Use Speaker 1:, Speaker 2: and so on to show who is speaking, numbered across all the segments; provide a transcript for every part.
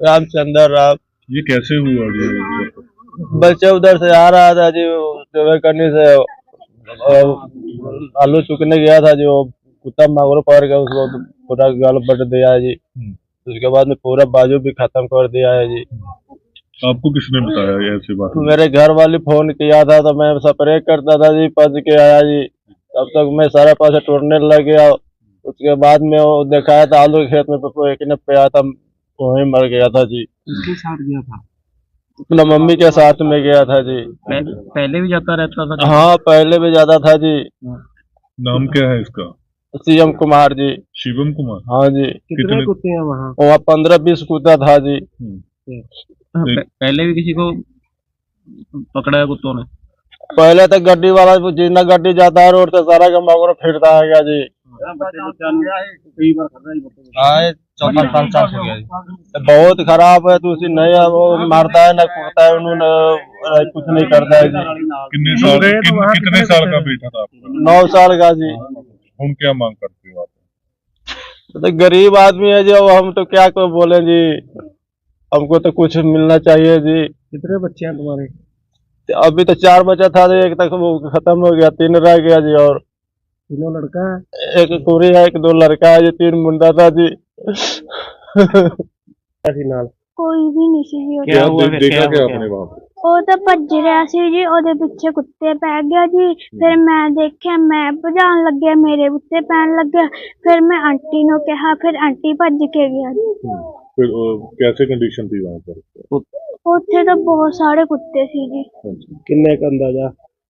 Speaker 1: रामचंद्र राव।
Speaker 2: ये कैसे हुआ जी?
Speaker 1: बच्चा उधर से आ रहा था जी, सेवा करने से आलू चुकने गया था जी, वो कुत्ता मांगरो पकड़ के उसको पूरा गाल बट दिया है जी। उसके बाद में पूरा बाजू भी खत्म कर दिया है जी।
Speaker 2: आपको किसने बताया ऐसी बात?
Speaker 1: मेरे घर वाले फोन किया था तो मैं स्प्रे करता था जी, पच के आया जी। तब तक मैं सारा पैसा टूटने लग गया। उसके बाद में वो दिखाया था आलू के खेत में एक ने पे आया था, वहीं मर गया था जी।
Speaker 3: किसके साथ गया था?
Speaker 1: अपना मम्मी के साथ में गया था जी।
Speaker 3: पहले भी जाता रहता था?
Speaker 1: हाँ, पहले भी ज्यादा था जी।
Speaker 2: नाम क्या है इसका?
Speaker 1: सीएम कुमार जी।
Speaker 2: शिवम कुमार?
Speaker 1: हाँ जी।
Speaker 3: कितने कुत्ते हैं वहाँ?
Speaker 1: वहाँ 15-20 कुत्ता था जी।
Speaker 3: पहले भी किसी को पकड़ा है कुत्तों ने?
Speaker 1: पहले तो गड्डी वाला जितना गड्डी जाता है रोड से सारा का मगर फिरता है क्या जी। हाँ, 4-5 साल हो गया जी। तो बहुत खराब है, तो उसी नहीं है, वो मारता है ना कूदता है, उन्होंने कुछ नहीं करता है जी।
Speaker 2: कितने साल का बेटा था आपका?
Speaker 1: 9 साल का जी।
Speaker 2: हम क्या मांग करते हो आप?
Speaker 1: तो गरीब आदमी है जो, हम तो क्या को बोले जी, हमको तो कुछ मिलना चाहिए जी।
Speaker 3: कितने बच्चे हैं तुम्हारे?
Speaker 1: अभी तो 4 बचा था जी, एक तक वो खत्म हो गया, 3 रह गया जी। और
Speaker 3: तीनों लड़का है?
Speaker 1: एक कुड़ी है, 1-2 लड़का है जी, 3 मुंडा था जी।
Speaker 4: ਕੋਈ ਵੀ ਨਹੀਂ ਸੀ ਜੀ।
Speaker 2: क्या देखा क्या आपने वहाँ पे?
Speaker 4: ਉਹ ਤਾਂ ਭੱਜ ਰਿਹਾ ਸੀ ਜੀ, ਉਹਦੇ ਪਿੱਛੇ ਕੁੱਤੇ ਪੈ ਗਿਆ ਜੀ। ਫਿਰ ਮੈਂ ਦੇਖਿਆ, ਮੈਂ ਭਜਾਉਣ ਲੱਗਿਆ, ਮੇਰੇ ਉੱਤੇ ਪੈਣ ਲੱਗਿਆ। ਫਿਰ ਮੈਂ ਆਂਟੀ ਨੂੰ ਕਿਹਾ, ਫਿਰ ਆਂਟੀ ਭੱਜ ਕੇ ਗਿਆ ਜੀ।
Speaker 2: फिर कैसे कंडीशन थी वहाँ पर?
Speaker 4: ਉੱਥੇ ਤਾਂ ਬਹੁਤ ਸਾਰੇ ਕੁੱਤੇ ਸੀ ਜੀ,
Speaker 3: किन्ने का अंदाजा?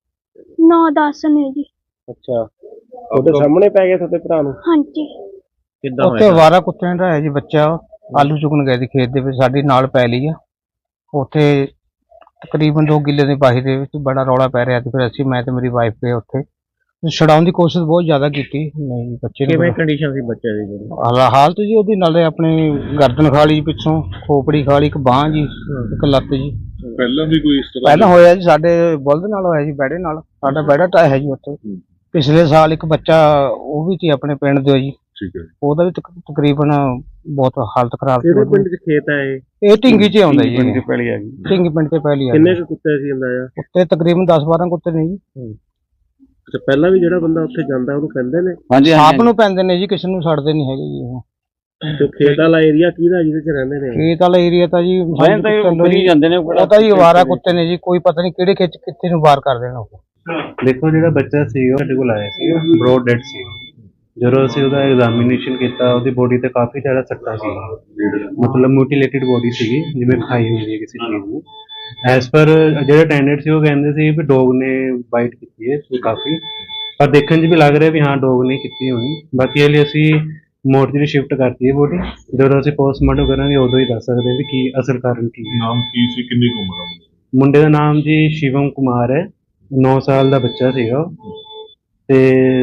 Speaker 4: 9-10 ਨੇ ਜੀ।
Speaker 3: ਅੱਛਾ, ਉਹਦੇ ਸਾਹਮਣੇ ਪੈ ਗਏ ਤੁਹਾਡੇ ਭਰਾ ਨੂੰ?
Speaker 4: ਹਾਂਜੀ।
Speaker 3: ਕਿੱਦਾਂ
Speaker 5: ਉੱਥੇ ਅਵਾਰਾ ਕੁੱਤਿਆਂ ਦਾ ਹੈ ਜੀ ਬੱਚਾ, ਆਲੂ ਚੁਗਣ ਗਏ ਸੀ ਖੇਤ ਦੇ ਵਿੱਚ, ਸਾਡੀ ਨਾਲ ਪੈ ਲਈ ਆ। ਉੱਥੇ ਤਕਰੀਬਨ 2 ਕਿੱਲੇ ਦੀ ਬਾਹੀ ਦੇ ਵਿੱਚ ਬੜਾ ਰੌਲਾ ਪੈ ਰਿਹਾ ਸੀ। ਫਿਰ ਅਸੀਂ, ਮੈਂ ਤੇ ਮੇਰੀ ਵਾਈਫ ਗਏ ਉੱਥੇ, ਛਡਾਉਣ ਦੀ ਕੋਸ਼ਿਸ਼ ਬਹੁਤ ਜ਼ਿਆਦਾ ਕੀਤੀ। ਨਹੀਂ, ਬੱਚੇ
Speaker 3: ਕਿਵੇਂ
Speaker 5: ਨੂੰ
Speaker 3: ਕੰਡੀਸ਼ਨ ਸੀ ਬੱਚੇ ਦੀ?
Speaker 5: ਹਾਲਤ ਜੀ ਉਹਦੀ, ਨਾਲੇ ਆਪਣੀ ਗਰਦਨ ਖਾ ਲਈ ਪਿੱਛੋਂ, ਖੋਪੜੀ ਖਾ ਲਈ, ਇੱਕ ਬਾਂਹ ਜੀ, ਇੱਕ ਲੱਤ ਜੀ।
Speaker 2: पहला भी कोई इस तरह?
Speaker 5: ਪਹਿਲਾਂ ਹੋਇਆ ਜੀ, ਸਾਡੇ ਬੁਲਦ ਨਾਲ ਹੋਇਆ ਜੀ, ਬੈੜੇ ਨਾਲ। ਸਾਡਾ ਬੈੜਾ ਟਾਇਆ ਹੈ ਜੀ ਉੱਥੇ। ਪਿਛਲੇ ਸਾਲ ਇੱਕ ਬੱਚਾ ਉਹ ਵੀ ਸੀ ਆਪਣੇ ਪਿੰਡ ਦੇ ਜੀ,
Speaker 2: ठीक है।
Speaker 5: ਉਹਦਾ ਵੀ ਤਕਰੀਬਨ ਬਹੁਤ ਹਾਲਤ ਖਰਾਬ ਸੀ।
Speaker 3: ਕਿਹੜੇ ਪਿੰਡ 'ਚ ਖੇਤ ਹੈ ਇਹ?
Speaker 5: ਇਹ ਢਿੰਗੀ 'ਚ ਆਉਂਦਾ ਜੀ,
Speaker 3: ਪਿੰਡ 'ਚ ਪਹਿਲੀ ਆ ਗਈ।
Speaker 5: ਢਿੰਗੀ ਪਿੰਡ ਤੇ ਪਹਿਲੀ ਆ।
Speaker 3: ਕਿੰਨੇ ਕੁ ਕੁੱਤੇ ਸੀ ਅੰਦਾਜ਼ਾ?
Speaker 5: ਉੱਤੇ ਤਕਰੀਬਨ 10-12 ਕੁੱਤੇ ਨੇ ਜੀ।
Speaker 3: ਅੱਛਾ, ਪਹਿਲਾਂ ਵੀ ਜਿਹੜਾ ਬੰਦਾ ਉੱਥੇ ਜਾਂਦਾ ਉਹਨੂੰ ਕਹਿੰਦੇ ਨੇ?
Speaker 5: ਆਪ ਨੂੰ ਪੈਂਦੇ ਨੇ ਜੀ, ਕਿਸੇ ਨੂੰ ਛੱਡਦੇ ਨਹੀਂ ਹੈਗੇ ਜੀ ਉਹ।
Speaker 3: ਤੇ ਖੇਤ ਵਾਲਾ ਏਰੀਆ ਕਿਹਦਾ ਜਿਹਦੇ 'ਚ ਰਹਿੰਦੇ ਨੇ?
Speaker 5: ਖੇਤ ਵਾਲਾ ਏਰੀਆ ਤਾਂ ਜੀ
Speaker 3: ਜਾਂਦੇ ਨੇ,
Speaker 5: ਉਹ ਤਾਂ ਜੀ ਅਵਾਰਾ ਕੁੱਤੇ ਨੇ ਜੀ, ਕੋਈ ਪਤਾ ਨਹੀਂ ਕਿਹੜੇ ਖੇਤ 'ਚ ਕਿੱਥੇ ਨੂੰ ਵਾਰ ਕਰ ਦੇਣਾ ਉਹ।
Speaker 6: ਦੇਖੋ, ਜਿਹੜਾ ਬੱਚਾ ਸੀ ਉਹ ਸਾਡੇ ਕੋਲ ਆਇਆ ਸੀ, ਬ੍ਰੌਡ ਡੈਡ ਸੀ। ਜਦੋਂ ਅਸੀਂ ਉਹਦਾ ਐਗਜ਼ਾਮੀਨੇਸ਼ਨ ਕੀਤਾ, ਉਹਦੀ ਬੋਡੀ ਤੇ ਕਾਫੀ ਜ਼ਿਆਦਾ ਸੱਟਾਂ ਸੀ, ਮਤਲਬ ਮਿਊਟੀਲੇਟਿਡ ਬੋਡੀ ਸੀਗੀ, ਜਿਵੇਂ ਖਾਈ ਹੋਈ ਹੈ ਕਿਸੇ ਚੀਜ਼ ਨੂੰ। ਐਸ ਪਰ ਜਿਹੜੇ ਅਟੈਂਡੈਂਟ ਸੀ ਉਹ ਕਹਿੰਦੇ ਸੀ ਵੀ ਡੋਗ ਨੇ ਬਾਈਟ ਕੀਤੀ ਹੈ ਕਾਫੀ, ਪਰ ਦੇਖਣ 'ਚ ਵੀ ਲੱਗ ਰਿਹਾ ਵੀ ਹਾਂ ਡੋਗ ਨੇ ਕੀਤੀ ਹੋਣੀ। ਬਾਕੀ ਇਹ ਲਈ ਅਸੀਂ ਮੋਰਚਰੀ ਸ਼ਿਫਟ ਕਰਤੀ ਹੈ ਬੋਡੀ, ਜਦੋਂ ਅਸੀਂ ਪੋਸਟਮਾਰਟਮ ਕਰਾਂਗੇ ਉਦੋਂ ਹੀ ਦੱਸ ਸਕਦੇ ਹਾਂ ਵੀ ਕੀ ਅਸਲ ਕਾਰਨ ਕੀ ਹੈ।
Speaker 2: नाम की सी कितनी उम्र है?
Speaker 6: ਮੁੰਡੇ ਦਾ ਨਾਮ ਜੀ ਸ਼ਿਵਮ ਕੁਮਾਰ ਹੈ, 9 ਸਾਲ ਦਾ ਬੱਚਾ ਸੀਗਾ ਉਹ। ਤੇ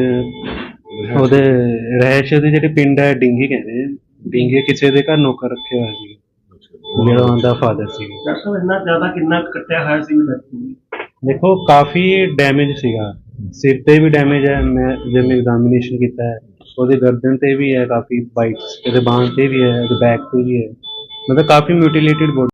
Speaker 6: ਉਹਦੇ ਰਹਿਸ਼ ਦੇ ਜਿਹੜੇ ਪਿੰਡ ਹੈ ਡਿੰਗੀ ਕਹਿੰਦੇ, ਡਿੰਗੀ ਕਿਸੇ ਦੇ ਘਰ ਨੌਕਰ ਰੱਖਿਆ ਹੋਇਆ ਸੀ, ਜਿਹੜਾ ਉਹਦਾ ਫਾਦਰ ਸੀ।
Speaker 3: ਇੰਨਾ ਜ਼ਿਆਦਾ ਕਿੰਨਾ ਕੱਟਿਆ ਹੋਇਆ ਸੀ?
Speaker 6: ਦੇਖੋ, ਕਾਫੀ ਡੈਮੇਜ ਸੀਗਾ, ਸਿਰ ਤੇ ਵੀ ਡੈਮੇਜ ਹੈ, ਮੈਂ ਜਿਵੇਂ ਐਗਜ਼ਾਮੀਨੇਸ਼ਨ ਕੀਤਾ ਹੈ, ਉਹਦੇ ਗਰਦਨ ਤੇ ਵੀ ਹੈ ਕਾਫੀ ਬਾਈਟਸ, ਉਹਦੇ ਬਾਂਹ ਤੇ ਵੀ ਹੈ, ਉਹਦੇ ਬੈਕ ਤੇ ਵੀ ਹੈ, ਮਤਲਬ ਕਾਫੀ ਮਿਊਟੀਲੇਟਿਡ ਬੋਡੀ।